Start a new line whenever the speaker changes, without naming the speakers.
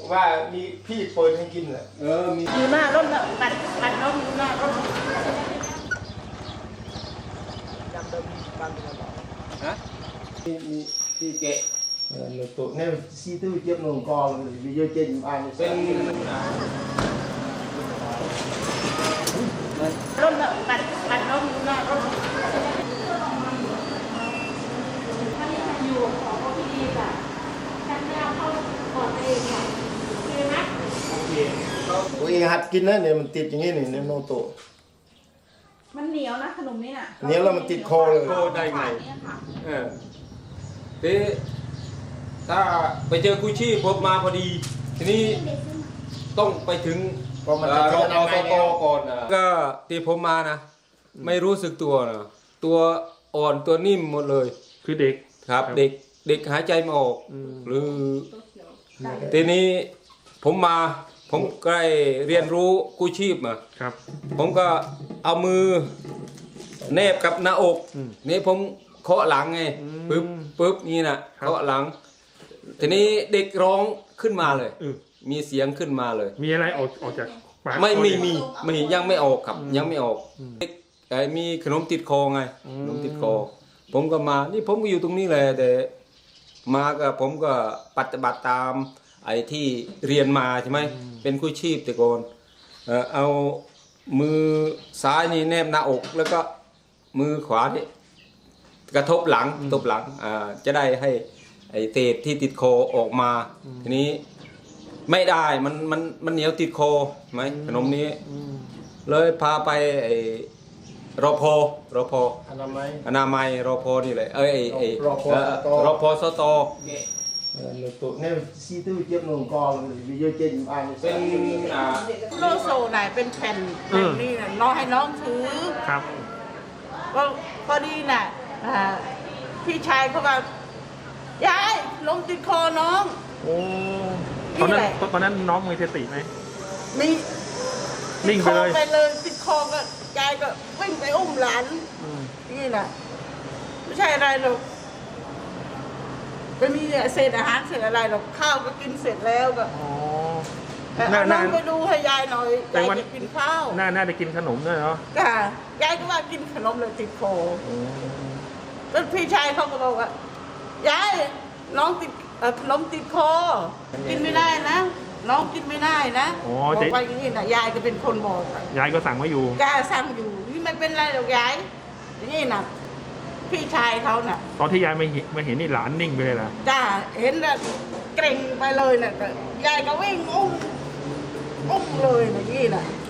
ว่ามีพี่เปิดให้กินเหรอมี
อยู่หน้ารถน่ะปัดรถอยู่หน้ารถจำได้บ้านเป็นอะไร
ฮะมีพี่เกะหนูตัวเนี่ยซีตู้เจ็บหนูกองวิโยเจนบ้านเป็น
รถน่ะปัดรถอยู่หน้ารถอยู่ของพี่ดีค่ะฉันไม่เอาเข้าก่อนเองค่ะโอเคไหม
โอเคตัวเองหัดกินนะเนี่ยมันติดอย่างนี้นี่เนี่ยโนโต
มันเหนียวนะขนมนี้น่ะ
เหนียวแล้วมันติดคอเลย
โคได้ไงทีถ้าไปเจอกุชี่พบมาพอดีทีนี้ต้องไปถึง
รอปภ
ก่อนก็ที่ผมมานะไม่รู้สึกตัวนะตัวอ่อนตัวนิ่มหมดเลย
คือเด็ก
ครับเด็กหายใจไม่ออกหรือทีนี้ผมใกล้เรียนรู้กู้ชีพมา
ครับ
ผมก็เอามือแนบกับหน้าอกนี่ผมเคาะหลังไงปึ๊บนี่นะเคาะหลังทีนี้เด็กร้องขึ้นมาเลยมีเสียงขึ้นมาเลย
มีอะไรออกจากปาก
ไม่ยังไม่ออกครับยังไม่ออกมีขนมติดคอไงขนมติดคอผมก็มานี่ผมก็อยู่ตรงนี้เลยแต่มาก็ผมก็ปฏิบัติตามไอ้ที่เรียนมาใช่ไหมเป็นกู้ชีพแต่ก่อนเอามือซ้ายนี่แนบหน้าอกแล้วก็มือขวานี่กระทบหลังจะได้ให้ไอ้เศษที่ติดคอออกมาทีนี้ไม่ได้มันเหนียวติดคอไหมขนมนี้เลยพาไปไอ้รพอนามัยรพนี่เลยรพสต
หนูตัวเนี่ยซีตู้เจ็บหนูกองวิโยเจนบ้าน
เป็น
โลโซไหนเป็นแผ่นนี่น่ะน้องให้น้องถือ
ครับ
ก็พอดีน่ะพี่ชายเขาว่ายายลงติดคอน้อง
โอ้ตอนนั้นน้องมีสติไหม
มี
นิ่งไป
เลยติดคอก็ยายก็วิ่งไปอุ้มหลานนี่น่ะไม่ใช่อะไรหรอกไม่มีเศษอาหารเศษอะไรหรอกข้าวก็กินเสร็จแล้วก็น้องไปดูให้ยายหน่อยยายจะกินข้าว
น่าจะกินขนมด้วยเนาะ
ค่ะยายก็ว่ากินขนมเลยติดคอแล้วพี่ชายเขาก็บอกว่ายายน้องติดขนมติดคอกินไม่ได้นะน้องกินไม่ได้นะบอกไปอย่างนี้นะยายก็เป็นคนบอก
ยายก็สั่งไว้อยู่
ยายสั่งอยู่นี่ไม่เป็นไรหรอกยายอย่างนี้นะพี่ชายเขาน่ะ
ตอนที่ยายไม่เห็นนี่หลานนิ่งไปเลยล่ะ
จ้าเห็นแล้วเกร็งไปเลยน่ะยายก็วิ่งอุ้มเลยนะนี่น่ะ